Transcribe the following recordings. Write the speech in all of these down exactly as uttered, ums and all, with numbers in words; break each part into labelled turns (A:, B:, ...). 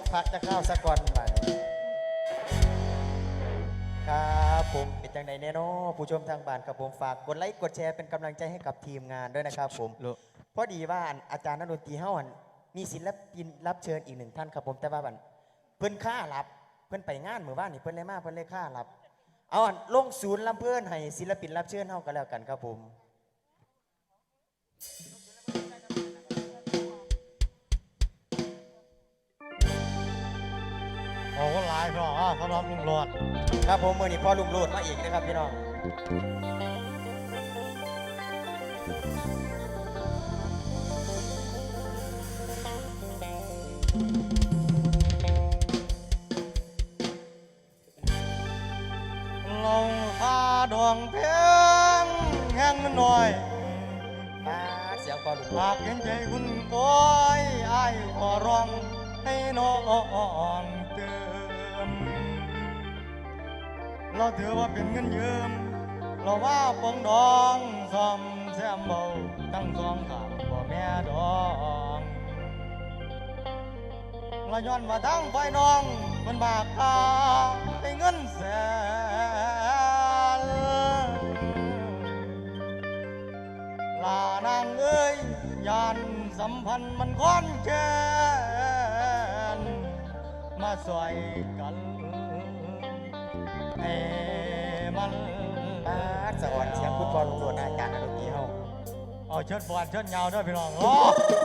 A: พักจะเข้าสะก่อนไปครับผมเป็นจังไดแน่นอนผู้ชมทางบ้านครับผมฝากกดไลค์กดแชร์เป็นกำลังใจให้กับทีมงานด้วยนะครับผมพอดีว่าอาจารย์นักดนตรีเฮามีศิลปินรับเชิญอีกหนึ่งท่านครับผมแต่ว่าบันเพิ่นค่ารับเพิ่นไปงานเมื่อวานนี่เพิ่นเลยมาเพิ่นเลยค่ารับเอาลงศูนย์ลำเพื่อนให้ศิลปินรับเชิญเฮาก็แล้วกันครับผม
B: โอ้ก็หลายพี่น้องสำหรับลุงโลด
A: ครับผมมือนี้พ่อลุงโลดมาอีกนะครับพี่น้อง
B: ลงคาดวงเพียงแห้งหน่อย
A: มาเสียงพ่อลุง
B: หากเห็นใจคุณก้อยไอ้ขอร้องให้น้องเติมเราถือว่าเป็นเงินยืมเราว่าปองดองซ่อมแซมเบาทั้งสองข้างบ่แม่ดองเราย้อนว่าทั้งไฟน้องมันบากตาให้เงินแสนลานางเอ้ยยานสัมพันธ์มันค้อนแค้นมาสวยกันให้มัน
A: มาสะอ่อนเสียงคุณพ่อลุงโลดอาจารย์นักดนตรีเฮา
B: เอาเชิดบอลเชิดยาวด้วยพี่น้องโอ้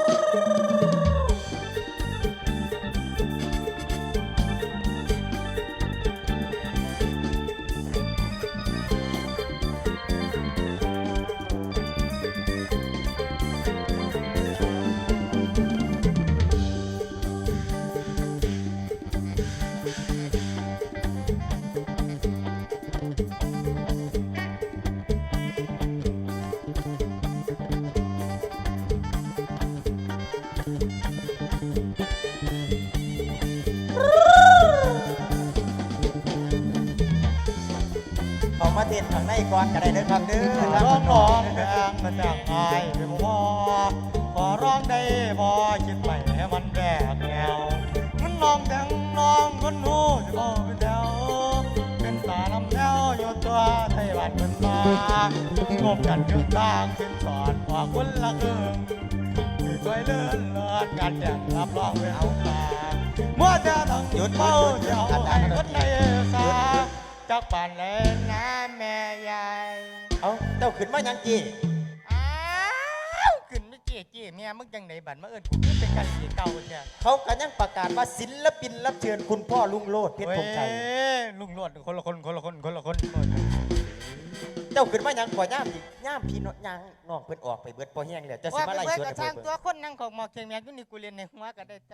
A: เขามาเต้นข้างในก่อนก็ได้เด้อครับเด้อ
B: ร้องร้องแดงมาจากอายเป็นพ่อขอร้องได้พอคิดไปให้มันแบกแนวมันน้องแดงน้องคนหูจะบอกเป็นแถวเป็นตาลำแถวอยู่ตัวไทยบ้านเป็นมางบกันยึดตางขึ้นสอนออกคนละครึ่งที่ช่วยเลื่อนเลื่อนการแจกรับรองไปเอาตาเมื่อจะต้องหยุดเมาเจ้าให้คนในสาจากป่านเลยนะแม่ยาย
A: เอาเจ้าขึ้นมายังจี
B: อ้าวขึ้นไม่เจี๊ยเจี๊ยเมียมึงจังไหนบัดมาเอิญกูขึ้นเป็นกันสีเก่าเนี่ย
A: เขาก็ยังประกาศว่าศิลปินรับเชิญคุณพ่อลุงโลดเพชรธงชัย
B: ลุงโลดคนละคนคนละคนคนละคน
A: เจ้าขึ้นมายังก่อย่ามย่ามพี่น้องย่างน้องเพิ่นออกไปเบิดพอแห้งแล้วจะสิมาไล่สวน
B: กระช่างตัวคนนั่งของหมอกเชียงแมวอยู่นี่กูเรียนในหัวก็ได้จ้า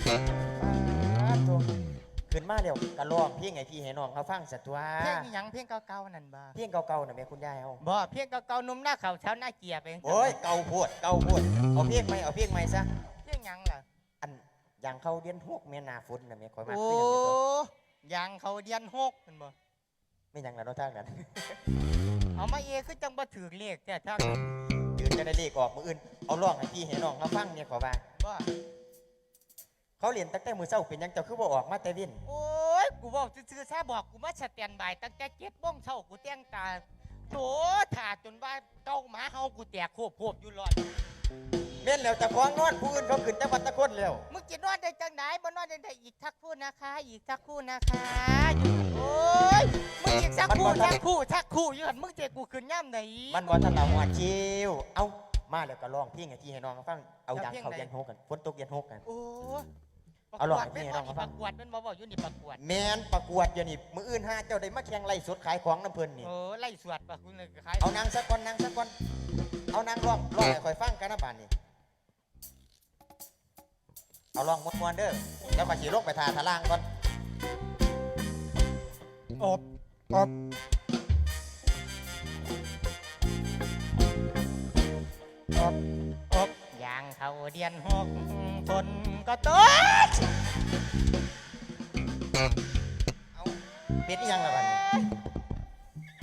A: ขึ้นมาเร็วกระลองเพียงไงพี่ให้น้องเขาฟังสัตว์ตัว
B: เพียงยังเพียงเก่าๆนั่นบ่
A: เพียงเก่าๆน่ะแม่คุณยายเอา
B: บ่เพียงเก่าๆนุ่มหน้าเขาเช้าหน้าเกียร์ไป
A: โอ้ยเก่าโพดเก่าโพดเอาเพียงไหมเอาเพียงไหมซะ
B: เพียงยังล่ะ
A: อันยังเขาเดียนหกแม่นาฝนน่ะแม่คอยมา
B: โอ้ยังเขาเดียนหกเป็นบ่
A: ไม่ยังแล้วเนาะทางนั้น
B: เอามาเอคือจังบ่ถือเลขแต่ทาง
A: ยืนจะได้เลขออกมืออื่นเอาร้องให้พี่ให้น้องเขาฟังเนี่ยขอว่า
B: บ่
A: เขาเรียนตั้งแต่มือเช้าเป็นยังเจ้าคือบ่ออกมาแต่วิน
B: โอ้ยกูบอกซื่อๆซะบอกกูมาสแตนบายตั้งแต่เจ็ดโมงเช้ากูแต่งตาโถถ่าจนว่าเก้าหมาเฮากูแตกโคบโคบอยู่รอด
A: เม่นแล้วจะฟ้องนอนผู้อื่นเขาขึ้นจังหวัดตะคนแล้ว
B: มึงจะนอนได้จังไหนบ่นอนได้อีกทักคู่นะคะอีกทักคู่นะคะโอ้ยมึงอีกทักคู่ทักคู่ทักคู่อยู่หันมึงเจกูขึ้นย่ำไหน
A: มันว่าท่านเราหัวชิวเอามาแล้วก็ร้องพี่ไงพี่ให้น้องเขาฟังเอาดังเขาเย็นหกกันฝนตกเย็นหกกัน
B: โอ้
A: เอาหลอกพี่น้องเขา
B: ฟั
A: ง
B: ประกวดมันบ่บอกอยู่นี่ประกวด
A: แมนประกวดอยู่นี่มืออื่นห้าเจ้าได้มาแข่งไล่สดขายของน้ำเพลินนี่
B: โอ้ไล่สวดปะคุณขาย
A: เอานางสักคนนางสักคนเอานางร้องร้องให้คอยฟังกันนะบ้านนี่เอาร้องมวนๆเด้อแล้วมาขี่รถไปทาทะล่างก่อน
B: อบอบอบอบยางเขาเดียนหกฝนก็ตก
A: เอาเป็นยังล่ะบ้านนี้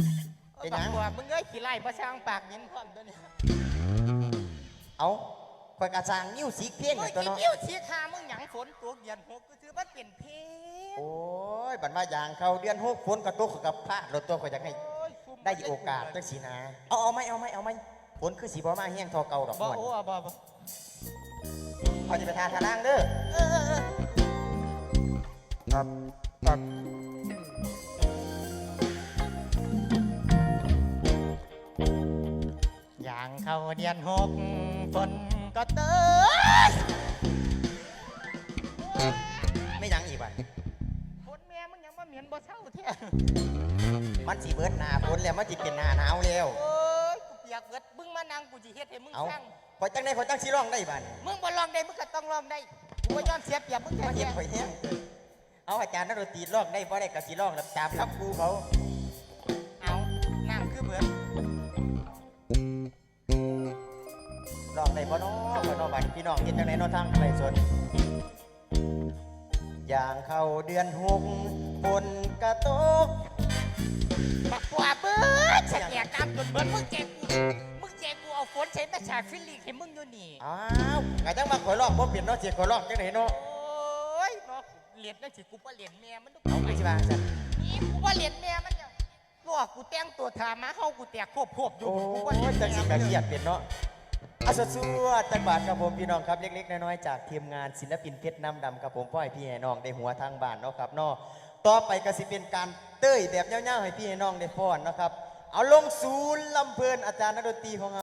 B: เป็นยังว่ามึงเอ้ยขี้ไล่ประช่างปากยินพร้อมตัวนี้
A: เอาคอยกระจางนิ้วสีเพี้ยง
B: มึ
A: กั
B: ง
A: นตัว
B: จะ
A: เนาะ
B: เที่ยวสีคามึงหยังฝนตัวเดือนหกก็คือมันเป็นเพลง
A: โอ้ยบัดมาอย่างเขาเดือนหกฝนกระตุกกับพระรถตัวคอยจะให้
B: โอ้ยซุ่ม
A: ได้โอกาสจังสีนะเอาเอาไหมเอาไหมเอาไหมฝนคือสีบ่มาแห้งทอเก่าดอก
B: บ่
A: ม่วน
B: โอ้บ่บ่
A: เขาจะไปทาทาล่างเด้อ
B: เออเออเออ
A: ครับครับ
B: อย่างเขาเดือนหกฝนก็เตย
A: ไม่ยังอีกว่ะ
B: ฝนแม่มึงยังมาเหมียนบ่เช่าแท้
A: มันสีเบิดหนาฝนแล้วมันจิเป็นหนาหนาวแล้ว
B: โอ้ยกูเปียกเบิดมึงมานั่งกูสิเฮ็ดให้มึง
A: เอา
B: สร้าง
A: พอจังได้พอจังสีร้องได้บ้าน
B: มึงบ่ลองได้มึงก็ต้องลองได้กูว่าย้อนเสียเปรียบมึงแค่
A: มาเห็น
B: แค่
A: ข่อยแห้งเอาอาจารย์นักดนตรีร้องได้บ่ได้กับสีร้องแล้วตามครับครูเขา
B: เอาน้ำคือเบิด
A: ร้องได้บ่น้อบ่น้อบ้านพี่น้องเห็นจังไดเน้อทางไรสนอย่างเข้าเดือนหกฝนกระตก
B: บักกว่าเบิดฉันแยกตามจนเบิดมึงแจกกูมึงแจกกูเอาฝนใช้มาฉากฟิลลิ่งให้มึงอยู่นี่
A: อ้าวกะจังมาข่อยร้องบ่เปลี่ยนเนาะเสียข่อยร้องจังไดเนาะ
B: โอ้ยเนาะเหรียญนั่นสิกูว่าเหรียญแม่มันต้อง
A: เอาไปสิว่าซั่น
B: นี่กูว่าเหรียญแม่มันเนี่ยลวกกูแต่งตัวทามาเข้ากูแตกควบควบอยู่
A: โอ้
B: กูว่าเหรีย
A: ย
B: ญ
A: จังสิ
B: แม่
A: กะ
B: มัน
A: เครีย
B: เนี่ย
A: ดเป็นเนาะอาสวัสดีจังบาทครับผมพี่น้องครับเล็กๆน้อยๆจากทีมงานศิลปินเพชรน้ำดำครับผมพ่อให้พี่ให้น้องได้หัวทางบ้านเนาะครับเนาะต่อไปก็สิเป็นการเต้ยแบบเงี้ยวๆให้พี่ให้น้องได้ฟ้อนเนาะครับเอาลงศูนย์ลำเพลินอาจารย์นักดนตรีของเรา